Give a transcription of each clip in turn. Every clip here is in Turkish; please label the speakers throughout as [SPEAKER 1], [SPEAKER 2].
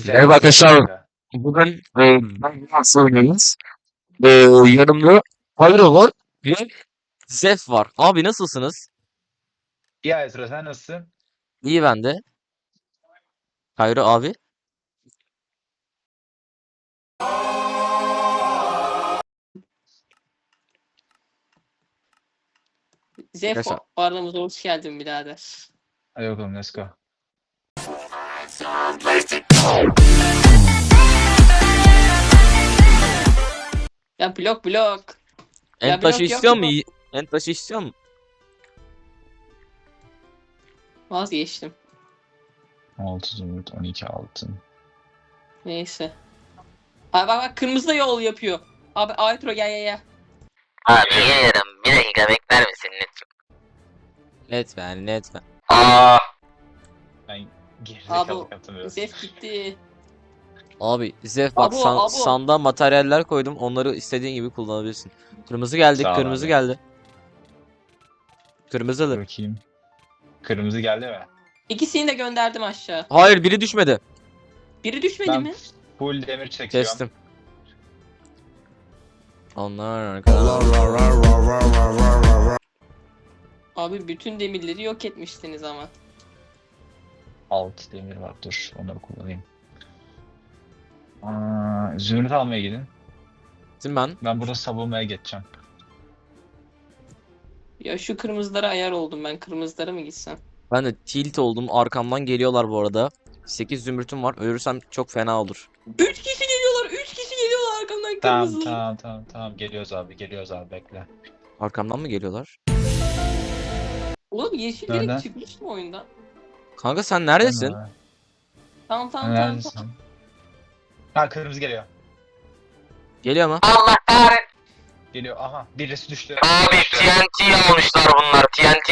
[SPEAKER 1] Merhaba arkadaşlar. Bugün ben nasıl oynuyoruz? Yanımda Pyro var ve Zef var. Abi nasılsınız?
[SPEAKER 2] Ya Ezra sen nasılsın?
[SPEAKER 1] İyi ben de. Pyro abi. Arkadaşlar.
[SPEAKER 3] Zefo aramıza hoş geldin birader.
[SPEAKER 2] Hadi bakalım let's go.
[SPEAKER 3] Ya blok.
[SPEAKER 1] En taşı istiyor mu? En taşı istiyor mu?
[SPEAKER 3] Vazgeçtim.
[SPEAKER 2] 6 zümrüt 12 altın.
[SPEAKER 3] Neyse. Abi bak kırmızı da yol yapıyor. Abi Aytro gel.
[SPEAKER 4] Abi gelirim. Bir dakika bekler misin lütfen?
[SPEAKER 1] Lütfen.
[SPEAKER 2] Ben
[SPEAKER 3] Abi
[SPEAKER 2] gerizekalı yaptım biraz.
[SPEAKER 3] Zef gitti.
[SPEAKER 1] Abi Zef bak
[SPEAKER 3] Abo.
[SPEAKER 1] sandığa materyaller koydum. Onları istediğin gibi kullanabilirsin. Kırmızı geldi.
[SPEAKER 2] Sağ ol
[SPEAKER 1] Kırmızı
[SPEAKER 2] abi.
[SPEAKER 1] geldi. Kırmızılı.
[SPEAKER 2] Bakayım. Kırmızı geldi mi?
[SPEAKER 3] İkisini de gönderdim aşağı.
[SPEAKER 1] Hayır biri düşmedi.
[SPEAKER 3] Biri düşmedi
[SPEAKER 2] Ben
[SPEAKER 3] mi?
[SPEAKER 2] full demir çekiyorum.
[SPEAKER 1] Kestim. Onlar arkadan.
[SPEAKER 3] Abi bütün demirleri yok etmiştiniz ama.
[SPEAKER 2] 6 demir var dur onları kullanayım. Zümrüt almaya gidin.
[SPEAKER 1] Şimdi ben.
[SPEAKER 2] Ben burada savunmaya geçeceğim.
[SPEAKER 3] Ya şu kırmızılara ayar oldum ben. Kırmızılara mı gitsem?
[SPEAKER 1] Ben de tilt oldum. Arkamdan geliyorlar bu arada. 8 zümrütüm var. Ölürsem çok fena olur.
[SPEAKER 3] 3 kişi geliyorlar. 3 kişi geliyorlar arkamdan
[SPEAKER 2] Tamam
[SPEAKER 3] kırmızılar.
[SPEAKER 2] tamam geliyoruz abi bekle.
[SPEAKER 1] Arkamdan mı geliyorlar?
[SPEAKER 3] Oğlum yeşil
[SPEAKER 2] Nereden?
[SPEAKER 3] direkt çıkmış mı oyundan?
[SPEAKER 1] Kanka sen neredesin?
[SPEAKER 3] Tamam.
[SPEAKER 2] Neredesin? Ha kırmızı geliyor.
[SPEAKER 1] Geliyor mu?
[SPEAKER 4] Allah kahretsin.
[SPEAKER 2] Geliyor aha birisi düştü.
[SPEAKER 4] Abi TNT almışlar bunlar TNT.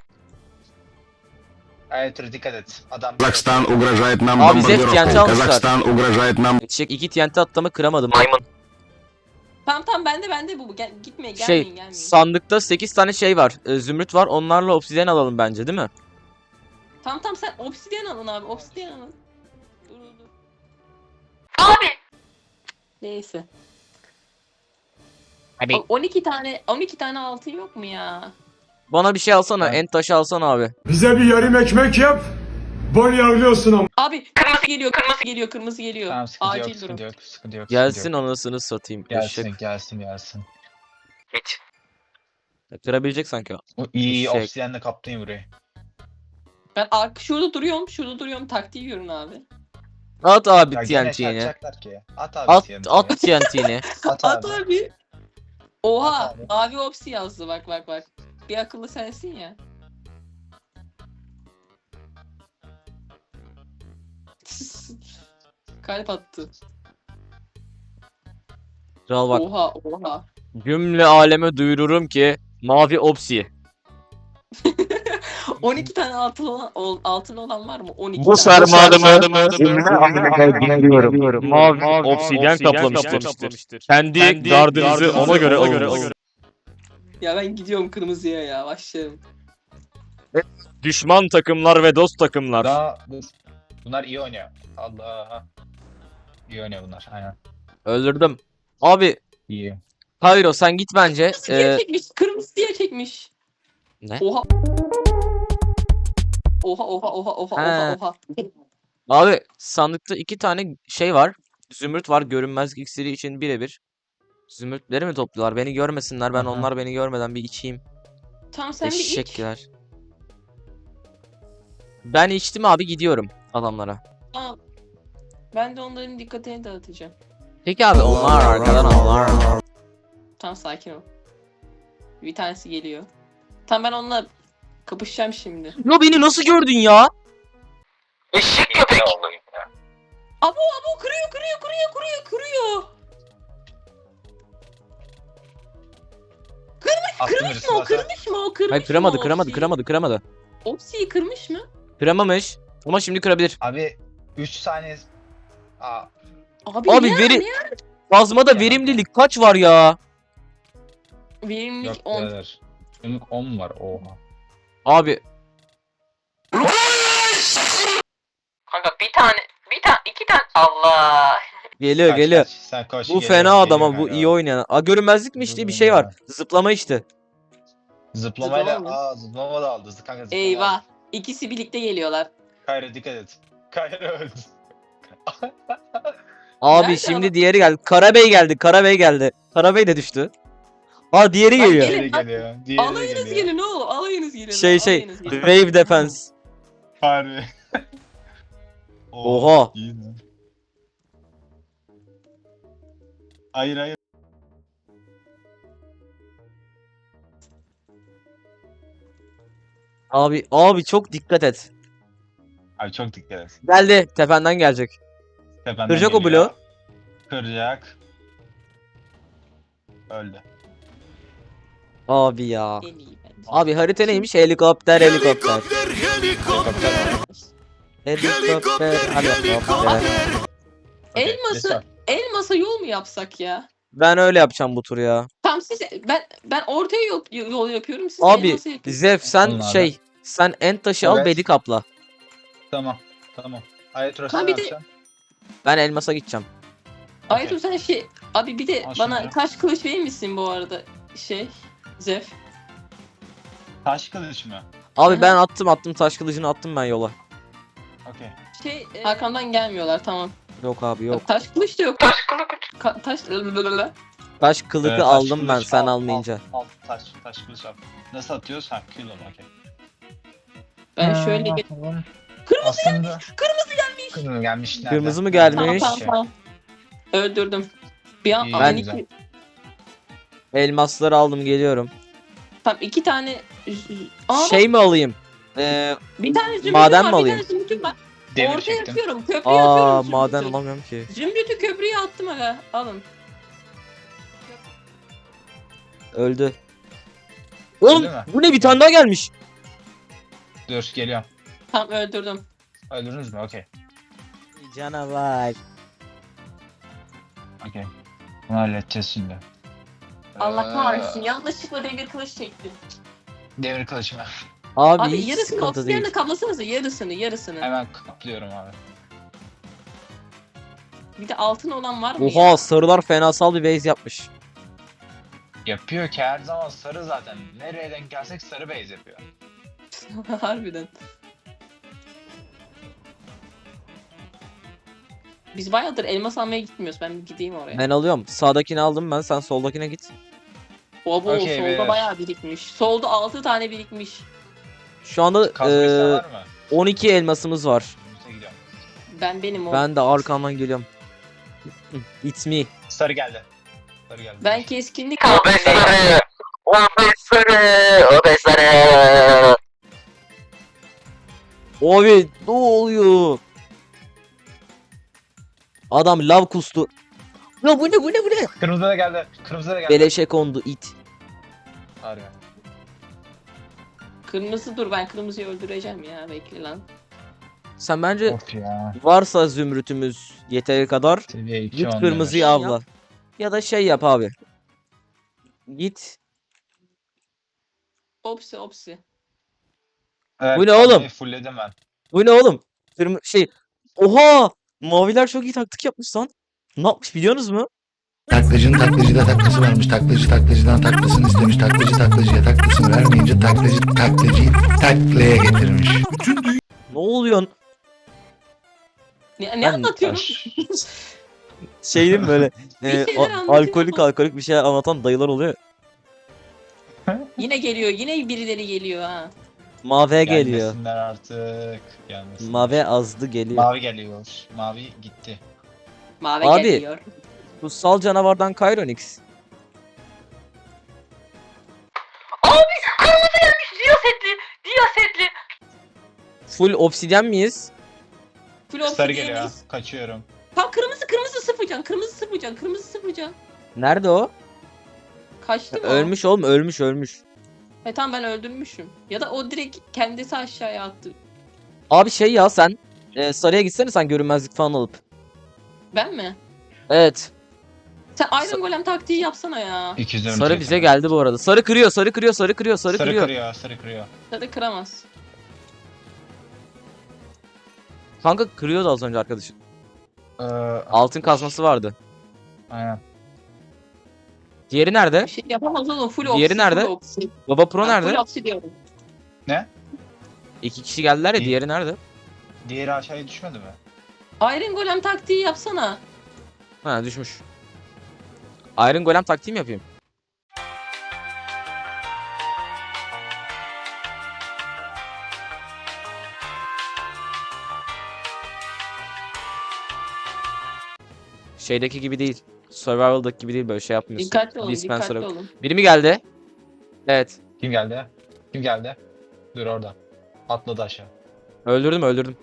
[SPEAKER 2] Evet dikkat et. Adam
[SPEAKER 5] Казахстан угрожает нам
[SPEAKER 1] Abi Zef TNT
[SPEAKER 5] бомбардировкой.
[SPEAKER 1] almışlar.
[SPEAKER 5] Казахстан угрожает нам.
[SPEAKER 1] Çek 2 TNT attığımı kıramadım.
[SPEAKER 4] Maymun.
[SPEAKER 3] Tamam bende bu. Gitmeyin
[SPEAKER 1] Şey
[SPEAKER 3] gelmeyin.
[SPEAKER 1] sandıkta 8 tane şey var. Zümrüt var. Onlarla obsidyen alalım bence değil mi?
[SPEAKER 3] Tamam sen obsidyen alın abi. Obsidyen alın. Dur.
[SPEAKER 4] Abi.
[SPEAKER 3] Neyse.
[SPEAKER 1] Abi.
[SPEAKER 3] Bak 12 tane altın yok mu ya?
[SPEAKER 1] Bana bir şey alsana.
[SPEAKER 2] Ben-
[SPEAKER 1] En taşı alsana abi.
[SPEAKER 6] Bize bir yarım ekmek yap. Bol yağlıyorsun ama.
[SPEAKER 3] Abi kırmızı geliyor.
[SPEAKER 2] Tamam sıkıntı
[SPEAKER 3] Acil
[SPEAKER 2] yok,
[SPEAKER 3] durum.
[SPEAKER 2] sıkıntı yok.
[SPEAKER 1] Gelsin anasını satayım. Eşek.
[SPEAKER 2] Gelsin.
[SPEAKER 4] Hiç.
[SPEAKER 1] Kırabilecek sanki o.
[SPEAKER 2] O iyi
[SPEAKER 1] Eşek.
[SPEAKER 2] obsidiyenle kaplayın burayı.
[SPEAKER 3] Ben şurada duruyorum. Taktiği görün abi.
[SPEAKER 1] At abi
[SPEAKER 2] Ya gene
[SPEAKER 1] TNT'ni.
[SPEAKER 2] çarpacaklar ki. At abi
[SPEAKER 1] At
[SPEAKER 2] TNT'ni.
[SPEAKER 1] at TNT'ni.
[SPEAKER 2] At
[SPEAKER 3] At
[SPEAKER 2] abi.
[SPEAKER 3] abi. Oha
[SPEAKER 2] At abi.
[SPEAKER 3] mavi opsi yazdı bak. Bir akıllı sensin ya. Kalp attı.
[SPEAKER 1] Kral bak.
[SPEAKER 3] Oha.
[SPEAKER 1] Cümle aleme duyururum ki mavi opsi.
[SPEAKER 3] 12 tane altın olan var mı? 12
[SPEAKER 1] Bu
[SPEAKER 3] tane.
[SPEAKER 1] sarmadımı cümle aleme duyuruyorum. Mavi obsidyen kaplamıştır. Kendi gardınızı ona göre alın.
[SPEAKER 3] Ya ben gidiyorum kırmızıya ya başlayalım.
[SPEAKER 1] Düşman takımlar ve dost takımlar.
[SPEAKER 2] Daha dur. Bunlar iyi oynuyor. Allah. İyi oynuyor bunlar. Aynen.
[SPEAKER 1] Öldürdüm. Abi
[SPEAKER 2] İyi.
[SPEAKER 1] Pyro sen git bence.
[SPEAKER 3] Diye çekmiş. Kırmızı diye çekmiş.
[SPEAKER 1] Ne?
[SPEAKER 3] Oha. Oha.
[SPEAKER 1] Abi sandıkta 2 tane şey var. Zümrüt var. Görünmezlik iksiri için birebir. Zümrütleri mi topluyorlar? Beni görmesinler. Ben
[SPEAKER 2] Aha.
[SPEAKER 1] onlar beni görmeden bir içeyim.
[SPEAKER 3] Tamam sen bir iç.
[SPEAKER 1] Eşekler. Ben içtim abi gidiyorum adamlara.
[SPEAKER 3] Al. Ben de onların dikkatini dağıtacağım.
[SPEAKER 1] Peki abi onlar arkadan onlar.
[SPEAKER 3] Tamam sakin ol. Bir tanesi geliyor. Tamam ben onunla kapışacağım şimdi.
[SPEAKER 1] Ya beni nasıl gördün ya?
[SPEAKER 4] Eşek köpek.
[SPEAKER 3] Abo kırıyor.
[SPEAKER 2] Attım
[SPEAKER 3] Kırmış
[SPEAKER 2] birisi
[SPEAKER 3] mı o?
[SPEAKER 2] varsa.
[SPEAKER 3] Kırmış mı o? Kırmış
[SPEAKER 1] Hayır
[SPEAKER 3] mı o
[SPEAKER 1] kıramadı.
[SPEAKER 3] Opsi'yi kırmış mı?
[SPEAKER 1] Kıramamış. Ama şimdi kırabilir.
[SPEAKER 2] Abi 3 saniye. Aa,
[SPEAKER 3] Abi
[SPEAKER 1] Abi
[SPEAKER 3] niye?
[SPEAKER 1] veri... Plazmada verimlilik kaç var ya?
[SPEAKER 3] Verimlilik
[SPEAKER 2] yok
[SPEAKER 3] 10.
[SPEAKER 2] birader. Benim 10 var oha.
[SPEAKER 1] Abi
[SPEAKER 4] Kanka bir iki tane. Allah.
[SPEAKER 1] Geliyor
[SPEAKER 2] Kaç,
[SPEAKER 1] geliyor.
[SPEAKER 2] kaç. Sen koş,
[SPEAKER 1] Bu
[SPEAKER 2] geliyor,
[SPEAKER 1] fena adam
[SPEAKER 2] geliyor
[SPEAKER 1] ama bu
[SPEAKER 2] kanka.
[SPEAKER 1] iyi oynayan. Aa, görünmezlik mi işte bir şey var. Zıplama işte.
[SPEAKER 2] Zıplamayla
[SPEAKER 3] Zıplama mı?
[SPEAKER 2] zıplama da aldı. Kanka zıplama
[SPEAKER 3] Eyvah.
[SPEAKER 2] aldı.
[SPEAKER 3] İkisi birlikte geliyorlar.
[SPEAKER 2] Kayra dikkat et. Kayra öldü.
[SPEAKER 1] Abi
[SPEAKER 3] Nerede
[SPEAKER 1] şimdi
[SPEAKER 3] adam?
[SPEAKER 1] diğeri geldi. Karabey geldi. Karabey geldi. Karabey de düştü. Aa diğeri
[SPEAKER 3] Lan
[SPEAKER 1] geliyor.
[SPEAKER 3] gelin.
[SPEAKER 2] Diğeri geliyor. Diğeri
[SPEAKER 3] Alayınız
[SPEAKER 2] geliyor.
[SPEAKER 3] gelin oğlum. Alayınız gelin.
[SPEAKER 1] Şey
[SPEAKER 3] alayınız gelin.
[SPEAKER 1] Wave Defense.
[SPEAKER 2] Harbi.
[SPEAKER 1] Oha.
[SPEAKER 2] İyi mi? Hayır hayır.
[SPEAKER 1] Abi çok dikkat et.
[SPEAKER 2] Abi çok dikkat et.
[SPEAKER 1] Geldi. Tependen gelecek.
[SPEAKER 2] Tependen
[SPEAKER 1] Kıracak o
[SPEAKER 2] geliyor.
[SPEAKER 1] bloğu.
[SPEAKER 2] Kıracak. Öldü.
[SPEAKER 1] Abi ya.
[SPEAKER 3] En iyi bence.
[SPEAKER 1] Abi harita neymiş? Helikopter helikopter. Helikopter helikopter.
[SPEAKER 2] Okey,
[SPEAKER 3] Elması-
[SPEAKER 2] lütfen.
[SPEAKER 3] Elmas'a yol mu yapsak ya?
[SPEAKER 1] Ben öyle yapacağım bu tur ya.
[SPEAKER 3] Tam siz ben ortaya yol yapıyorum. Siz
[SPEAKER 1] Abi
[SPEAKER 3] elmasa yapıyorsunuz.
[SPEAKER 1] Zef sen
[SPEAKER 2] Onlardan.
[SPEAKER 1] sen en taşı al
[SPEAKER 2] Evet.
[SPEAKER 1] bedi kapla.
[SPEAKER 2] Tamam. Tamam. Ayet
[SPEAKER 3] Ha, bir de-
[SPEAKER 1] Ben elmasa gideceğim.
[SPEAKER 3] Aytu sen abi bir de
[SPEAKER 2] Al
[SPEAKER 3] bana
[SPEAKER 2] şunu.
[SPEAKER 3] taş kılıç verir misin bu arada Zef?
[SPEAKER 2] Taş kılıç mı?
[SPEAKER 1] Abi
[SPEAKER 3] Aha.
[SPEAKER 1] ben attım taş kılıcını attım ben yola.
[SPEAKER 2] Okey.
[SPEAKER 3] Arkamdan gelmiyorlar tamam.
[SPEAKER 1] Yok abi yok.
[SPEAKER 3] Taş kılıç da yok.
[SPEAKER 4] Taş kılıç.
[SPEAKER 3] Taş
[SPEAKER 1] Taş kılıcı
[SPEAKER 2] Taş
[SPEAKER 1] aldım ben
[SPEAKER 2] kılıç
[SPEAKER 1] sen
[SPEAKER 2] al,
[SPEAKER 1] almayınca.
[SPEAKER 2] Al taş kılıç al. Nasıl atıyoruz? Ha kill onu okey.
[SPEAKER 3] ben şöyle bir
[SPEAKER 2] Kırmızı gelmiş. Kırmızı gelmiş. Nerede?
[SPEAKER 1] Kırmızı mı
[SPEAKER 3] tamam
[SPEAKER 1] gelmiş?
[SPEAKER 3] tamam. Öldürdüm. Bir an
[SPEAKER 2] İyi,
[SPEAKER 3] ben
[SPEAKER 2] güzel.
[SPEAKER 1] Elmasları aldım geliyorum.
[SPEAKER 3] Tamam 2 tane Aa,
[SPEAKER 1] Şey mi alayım?
[SPEAKER 3] bir tane zümrütüm
[SPEAKER 1] maden
[SPEAKER 3] var,
[SPEAKER 1] mi
[SPEAKER 3] bir
[SPEAKER 1] alayım?
[SPEAKER 3] tane zümrütüm var.
[SPEAKER 2] Demir
[SPEAKER 3] Ortaya
[SPEAKER 2] çektim.
[SPEAKER 3] yapıyorum. Köprüye atıyorum.
[SPEAKER 1] Maden
[SPEAKER 3] zümrütü.
[SPEAKER 1] alamıyorum ki.
[SPEAKER 3] Zümrütü köprüye attım aga. Alın.
[SPEAKER 1] Öldü. Oğlum
[SPEAKER 2] Öldü mü?
[SPEAKER 1] bu ne bir tane daha gelmiş.
[SPEAKER 2] Dur geliyorum.
[SPEAKER 3] Tamam öldürdüm.
[SPEAKER 2] Öldünüz mü? Okey.
[SPEAKER 1] Canavar.
[SPEAKER 2] Okey. Bunu halledeceğiz şimdi.
[SPEAKER 3] Allah
[SPEAKER 2] Ee,
[SPEAKER 3] kahretsin. Yanlışlıkla demir kılıç çektim.
[SPEAKER 2] Demir kılıç mı?
[SPEAKER 1] Abi,
[SPEAKER 3] Abi
[SPEAKER 1] hiç
[SPEAKER 3] yarısını
[SPEAKER 1] sıkıntı
[SPEAKER 3] obsidiyenle
[SPEAKER 1] değil.
[SPEAKER 3] kaplasanıza yarısını.
[SPEAKER 2] Hemen kaplıyorum abi.
[SPEAKER 3] Bir de altın olan var mı
[SPEAKER 1] Oha
[SPEAKER 3] ya?
[SPEAKER 1] sarılar fenasal bir base yapmış.
[SPEAKER 2] Yapıyor ki her zaman sarı zaten. Nereye denk gelsek sarı base yapıyor.
[SPEAKER 3] Harbiden. Biz bayağıdır elmas almaya gitmiyoruz. Ben bir gideyim oraya.
[SPEAKER 1] Ben alıyorum. Sağdakini aldım ben sen soldakine git.
[SPEAKER 3] Baba
[SPEAKER 2] Okey,
[SPEAKER 3] solda
[SPEAKER 2] beyler.
[SPEAKER 3] bayağı birikmiş. Solda 6 tane birikmiş.
[SPEAKER 1] Şu anda
[SPEAKER 2] Kazmaysa var mı?
[SPEAKER 1] 12 elmasımız var.
[SPEAKER 2] Önümüze gidiyorum.
[SPEAKER 3] Benim o.
[SPEAKER 1] Ben de arkamdan geliyorum. It's me.
[SPEAKER 2] Sarı geldi. Sarı geldi.
[SPEAKER 3] Ben keskinlik
[SPEAKER 4] O be sarı. O be sarı. O be sarı.
[SPEAKER 1] Abi ne oluyor? Adam lav kustu. Ya bu ne?
[SPEAKER 2] Kırmızı da geldi. Kırmızı da geldi.
[SPEAKER 1] Beleşe kondu it.
[SPEAKER 2] Harbi.
[SPEAKER 3] kırmızı dur ben kırmızıyı öldüreceğim ya bekle lan.
[SPEAKER 1] Sen bence
[SPEAKER 2] Of ya.
[SPEAKER 1] varsa zümrütümüz yeteri kadar
[SPEAKER 2] Seviye 2
[SPEAKER 1] git kırmızıyı avla. Ya da şey yap abi. Git.
[SPEAKER 3] Opsi.
[SPEAKER 2] Evet,
[SPEAKER 1] Bu ne oğlum?
[SPEAKER 2] Fullledim ben.
[SPEAKER 1] Bu ne oğlum? Oha! Maviler çok iyi taktik yapmış lan. Ne yapmış biliyorsunuz mu?
[SPEAKER 5] Taklacının taklacıda taklası varmış. Taklacı taklacıdan taklasını istemiş. Taklacı taklacıya taklasını vermeyince taklacıyı taklaya getirmiş.
[SPEAKER 1] Ne oluyor?
[SPEAKER 3] Ne
[SPEAKER 1] Ben-
[SPEAKER 3] anlatıyorum?
[SPEAKER 1] Şey değil mi böyle
[SPEAKER 3] şeyler anlatıyor.
[SPEAKER 1] alkolik bir şeyler anlatan dayılar oluyor.
[SPEAKER 3] Yine geliyor. Yine birileri geliyor ha.
[SPEAKER 1] Mavi geliyor.
[SPEAKER 2] Gelmesinler artık. Gelmesinler.
[SPEAKER 1] Mavi azdı geliyor.
[SPEAKER 2] Mavi geliyor. Mavi gitti.
[SPEAKER 3] Mavi
[SPEAKER 1] Abi.
[SPEAKER 3] geliyor.
[SPEAKER 1] Kutsal canavardan Kyronix.
[SPEAKER 4] Kırmızı gelmiş. Diyasetli.
[SPEAKER 1] Full obsidyen miyiz?
[SPEAKER 3] Full
[SPEAKER 2] Sarı
[SPEAKER 3] obsidian
[SPEAKER 2] geliyor.
[SPEAKER 3] miyiz?
[SPEAKER 2] Kaçıyorum.
[SPEAKER 3] Tamam kırmızı sıfırcan.
[SPEAKER 1] Nerede o?
[SPEAKER 3] Kaçtı mı o?
[SPEAKER 1] Ölmüş oğlum ölmüş.
[SPEAKER 3] Tamam ben öldürmüşüm. Ya da o direkt kendisi aşağıya attı.
[SPEAKER 1] Abi şey ya sen sarıya gitsene sen görünmezlik falan alıp.
[SPEAKER 3] Ben mi?
[SPEAKER 1] Evet.
[SPEAKER 3] Sen Iron Golem taktiği yapsana ya.
[SPEAKER 2] 200
[SPEAKER 1] Sarı bize geldi bu arada. Sarı kırıyor.
[SPEAKER 2] Sarı kırıyor.
[SPEAKER 3] Tadı kıramaz.
[SPEAKER 1] Kanka kırıyordu az önce arkadaşım. Altın kazması vardı.
[SPEAKER 2] Aynen.
[SPEAKER 1] Diğeri nerede?
[SPEAKER 3] Bir şey yapamaz oğlum. Full
[SPEAKER 1] Diğeri
[SPEAKER 3] oksi.
[SPEAKER 1] nerede?
[SPEAKER 3] Full oksi.
[SPEAKER 1] Baba Pro
[SPEAKER 3] Ben
[SPEAKER 1] nerede?
[SPEAKER 3] full oksi diyorum.
[SPEAKER 1] 2 kişi geldiler ya,
[SPEAKER 2] İyi.
[SPEAKER 1] diğeri nerede?
[SPEAKER 2] Diğeri aşağıya düşmedi mi?
[SPEAKER 3] Iron Golem taktiği yapsana.
[SPEAKER 1] Ha, düşmüş. Iron Golem taktiği mi yapayım? Şeydeki gibi değil. Survival'daki gibi değil, böyle şey yapmıyorsun.
[SPEAKER 3] Dikkatli olun,
[SPEAKER 1] Dispenser
[SPEAKER 3] dikkatli
[SPEAKER 1] yok.
[SPEAKER 3] olun.
[SPEAKER 1] Biri mi geldi? Evet.
[SPEAKER 2] Kim geldi? Kim geldi? Dur orada. Atladı aşağı.
[SPEAKER 1] Öldürdüm.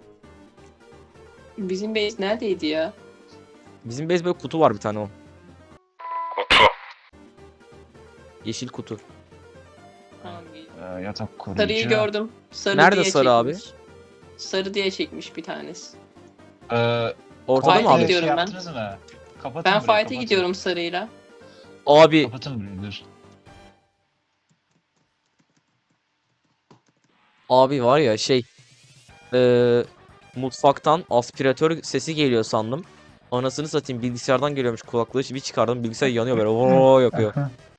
[SPEAKER 3] Bizim base neredeydi ya?
[SPEAKER 1] Bizim base böyle kutu var bir tane o.
[SPEAKER 4] Kutu.
[SPEAKER 1] Yeşil kutu.
[SPEAKER 3] Tamam, iyi.
[SPEAKER 2] Yatak koruyucu.
[SPEAKER 3] Sarıyı gördüm. Sarı
[SPEAKER 1] Nerede
[SPEAKER 3] diye
[SPEAKER 1] sarı abi?
[SPEAKER 3] çekmiş. Sarı diye çekmiş bir tanesi.
[SPEAKER 1] Ortada
[SPEAKER 3] Fight'e
[SPEAKER 1] mı abi?
[SPEAKER 3] gidiyorum ben.
[SPEAKER 2] Yaptınız mı? Kapatın
[SPEAKER 3] Ben
[SPEAKER 2] burayı,
[SPEAKER 3] fight'e
[SPEAKER 2] kapatın.
[SPEAKER 3] gidiyorum sarıyla.
[SPEAKER 1] Abi
[SPEAKER 2] Kapatın burayı dur.
[SPEAKER 1] Abi var ya şey, mutfaktan aspiratör sesi geliyor sandım. Anasını satayım, bilgisayardan geliyormuş kulaklığı, bir çıkardım, bilgisayar yanıyor böyle ooo yapıyor.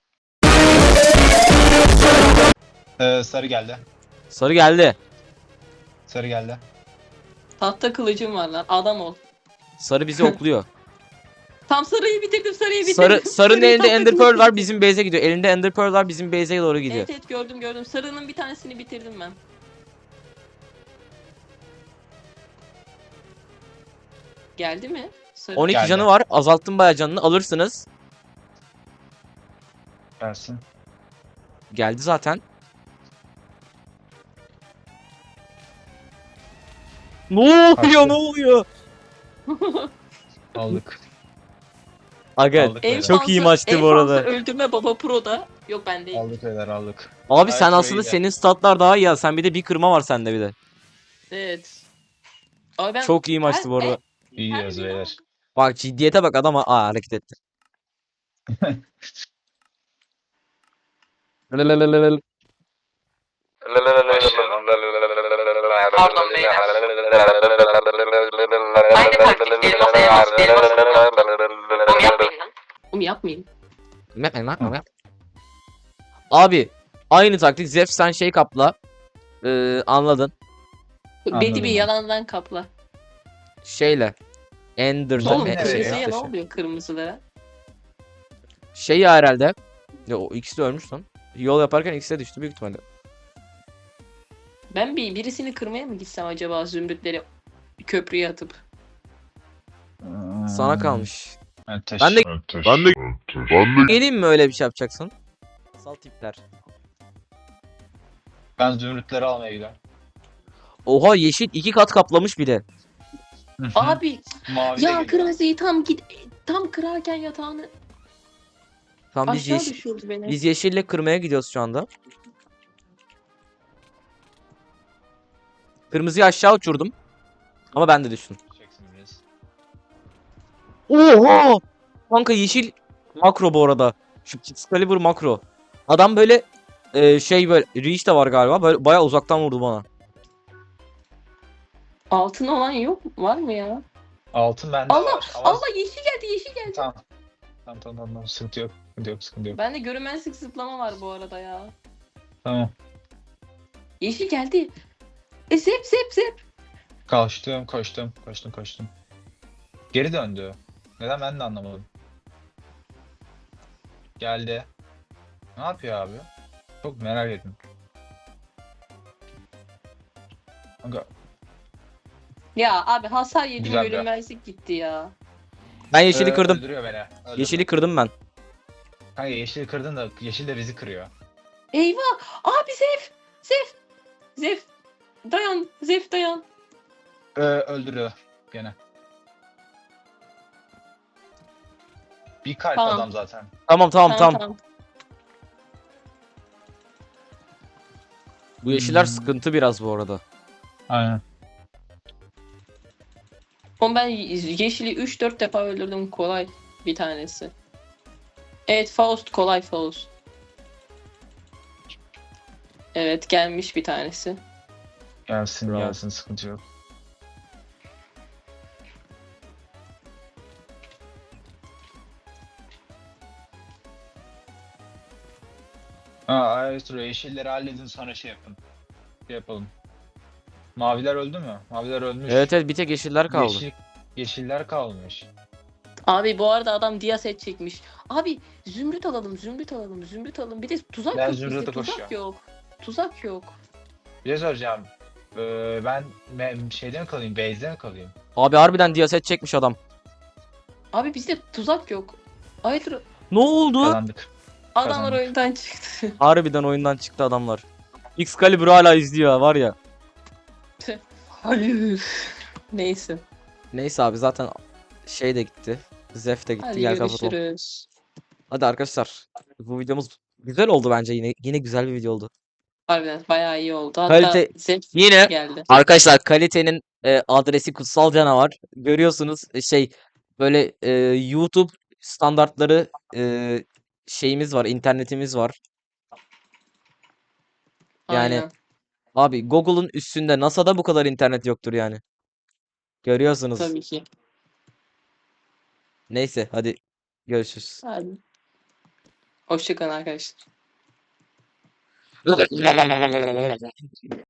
[SPEAKER 2] Sarı geldi.
[SPEAKER 1] Sarı geldi.
[SPEAKER 2] Sarı geldi.
[SPEAKER 3] Tahta kılıcım var lan. Adam ol.
[SPEAKER 1] Sarı bizi okluyor.
[SPEAKER 3] Tam sarıyı bitirdim, sarıyı bitirdim.
[SPEAKER 1] Sarının
[SPEAKER 3] Sarıyı
[SPEAKER 1] elinde
[SPEAKER 3] tahta
[SPEAKER 1] Ender
[SPEAKER 3] kılıcı
[SPEAKER 1] Pearl var,
[SPEAKER 3] bitirdim.
[SPEAKER 1] bizim base'e gidiyor. Elinde Ender Pearl var, bizim base'e doğru gidiyor.
[SPEAKER 3] Evet gördüm. Sarının bir tanesini bitirdim ben. Geldi mi? Sarı.
[SPEAKER 1] 12
[SPEAKER 2] Geldi.
[SPEAKER 1] canı var, azalttım bayağı canını, alırsınız.
[SPEAKER 2] Gelsin.
[SPEAKER 1] Geldi zaten. Ne oluyor,
[SPEAKER 2] Kaçtı.
[SPEAKER 1] ne oluyor?
[SPEAKER 2] Aldık.
[SPEAKER 1] Aga
[SPEAKER 2] Aldık beyler.
[SPEAKER 1] çok iyi maçtı bu arada.
[SPEAKER 3] Öldürme baba pro'da. Yok ben değil.
[SPEAKER 2] Aldık beyler aldık.
[SPEAKER 1] Abi
[SPEAKER 2] Ay,
[SPEAKER 1] sen
[SPEAKER 2] çok
[SPEAKER 1] aslında,
[SPEAKER 2] iyiydi.
[SPEAKER 1] senin statlar daha iyi ya. Sen bir de bir kırma var sende bir de.
[SPEAKER 3] Evet. Abi ben
[SPEAKER 1] Çok iyi maçtı bu arada.
[SPEAKER 2] İyi diyoruz beyler.
[SPEAKER 1] Bak ciddiyete bak, adam hareket etti. Lelelelelel.
[SPEAKER 4] Pardon beyler. Aynı taktik elmasa yemez. Elmasın. Bunu yapmayın lan.
[SPEAKER 1] Abi aynı taktik, Zef sen şey kapla. Anladın.
[SPEAKER 3] Bedi bir
[SPEAKER 2] Anladım.
[SPEAKER 3] yalandan kapla.
[SPEAKER 1] Şeyle. Ender.
[SPEAKER 2] Oğlum,
[SPEAKER 3] Oğlum
[SPEAKER 2] nereye
[SPEAKER 3] kırmızıya
[SPEAKER 2] ya?
[SPEAKER 3] ne oluyor kırmızılara?
[SPEAKER 1] Şey ya herhalde. Ya, o ikisi de ölmüş lan. Yol yaparken ikisi de düştü büyük ihtimalle.
[SPEAKER 3] Ben birisini kırmaya mı gitsem acaba, zümrütleri köprüye atıp?
[SPEAKER 1] Sana kalmış.
[SPEAKER 2] Ateş.
[SPEAKER 1] Ben de geleyim mi öyle bir şey yapacaksın? Sal tipler.
[SPEAKER 2] Ben zümrütleri almaya gidiyorum.
[SPEAKER 1] Oha, yeşil 2 kat kaplamış bir de.
[SPEAKER 3] Abi
[SPEAKER 2] Mavi de
[SPEAKER 3] ya
[SPEAKER 2] geliyor.
[SPEAKER 3] kırmızıyı tam kırarken yatağını
[SPEAKER 1] Tamam biz
[SPEAKER 3] aşağı düşürdü beni.
[SPEAKER 1] biz yeşille kırmaya gidiyoruz şu anda. Kırmızıyı aşağı uçurdum. Ama ben de düştüm.
[SPEAKER 2] Çeksin biraz.
[SPEAKER 1] Oha! Kanka yeşil makro bu arada. Şu Excalibur makro. Adam böyle şey, böyle reach de var galiba. Böyle bayağı uzaktan vurdu bana.
[SPEAKER 3] Altın olan yok var mı ya?
[SPEAKER 2] Altın bende
[SPEAKER 3] Allah
[SPEAKER 2] var. Ama...
[SPEAKER 3] Allah, yeşil geldi.
[SPEAKER 2] Tamam. Tamam. Sıkıntı yok. Sıkıntı yok.
[SPEAKER 3] Bende görünmezlik zıplama var bu arada ya.
[SPEAKER 2] Tamam.
[SPEAKER 3] Yeşil geldi. Zep.
[SPEAKER 2] Koştum. Geri döndü. Neden ben de anlamadım. Geldi. Ne yapıyor abi? Çok merak ettim. Kanka
[SPEAKER 3] Ya abi hasar yedim,
[SPEAKER 2] Güzel bir-
[SPEAKER 3] görünmezlik gitti ya.
[SPEAKER 1] Ben yeşili kırdım.
[SPEAKER 2] Öldürüyor beni.
[SPEAKER 1] Yeşili kırdım ben.
[SPEAKER 2] Kanka yeşili kırdın da yeşil de bizi kırıyor.
[SPEAKER 3] Eyvah! Abi Zef! Dayan! Zef dayan!
[SPEAKER 2] Öldürüyor gene. Bir kalp
[SPEAKER 3] Tamam.
[SPEAKER 2] adam zaten.
[SPEAKER 1] Tamam. Bu yeşiller sıkıntı biraz bu arada.
[SPEAKER 2] Aynen.
[SPEAKER 3] Oğlum ben yeşili 3-4 defa öldürdüm, kolay bir tanesi. Evet, kolay Faust. Evet, gelmiş bir tanesi.
[SPEAKER 2] Gelsin
[SPEAKER 1] Bravo.
[SPEAKER 2] gelsin sıkıntı yok. Ha, evet, yeşilleri halledin sonra şey yapın. Şey yapalım. Maviler öldü mü? Maviler ölmüş.
[SPEAKER 1] Evet evet bir tek yeşiller kaldı.
[SPEAKER 2] Yeşiller kalmış.
[SPEAKER 3] Abi bu arada adam dia set çekmiş. Abi zümrüt alalım, zümrüt alalım, zümrüt alalım. Bir de tuzak
[SPEAKER 2] Ben
[SPEAKER 3] yok bizde,
[SPEAKER 2] zümrüte
[SPEAKER 3] tuzak
[SPEAKER 2] koşuyorum.
[SPEAKER 3] yok. Tuzak yok.
[SPEAKER 2] Bir şey soracağım. Ben şeyde mi kalayım? Base'de mi kalayım?
[SPEAKER 1] Abi harbiden diyaset çekmiş adam.
[SPEAKER 3] Abi bizde tuzak yok. Hayır,
[SPEAKER 1] Ne oldu?
[SPEAKER 2] Kazandık.
[SPEAKER 3] adamlar
[SPEAKER 2] Kazandık.
[SPEAKER 3] oyundan çıktı.
[SPEAKER 1] Harbiden oyundan çıktı adamlar. Excalibur hala izliyor var ya.
[SPEAKER 3] Hayır. Neyse.
[SPEAKER 1] Neyse abi zaten şey de gitti. Zef de gitti.
[SPEAKER 3] Hadi
[SPEAKER 1] Gel kapatalım.
[SPEAKER 3] görüşürüz.
[SPEAKER 1] Hadi arkadaşlar. Bu videomuz güzel oldu bence yine. Yine güzel bir video oldu.
[SPEAKER 3] Harbiden bayağı iyi oldu. Hatta
[SPEAKER 1] Kalite
[SPEAKER 3] zevk
[SPEAKER 1] yine
[SPEAKER 3] geldi.
[SPEAKER 1] arkadaşlar kalitenin adresi Kutsal Canavar. Görüyorsunuz şey böyle YouTube standartları şeyimiz var, internetimiz var. Yani
[SPEAKER 3] Aynen.
[SPEAKER 1] abi Google'un üstünde NASA'da bu kadar internet yoktur yani. Görüyorsunuz.
[SPEAKER 3] Tabii ki.
[SPEAKER 1] Neyse hadi görüşürüz.
[SPEAKER 3] Hadi. Hoşçakalın arkadaşlar.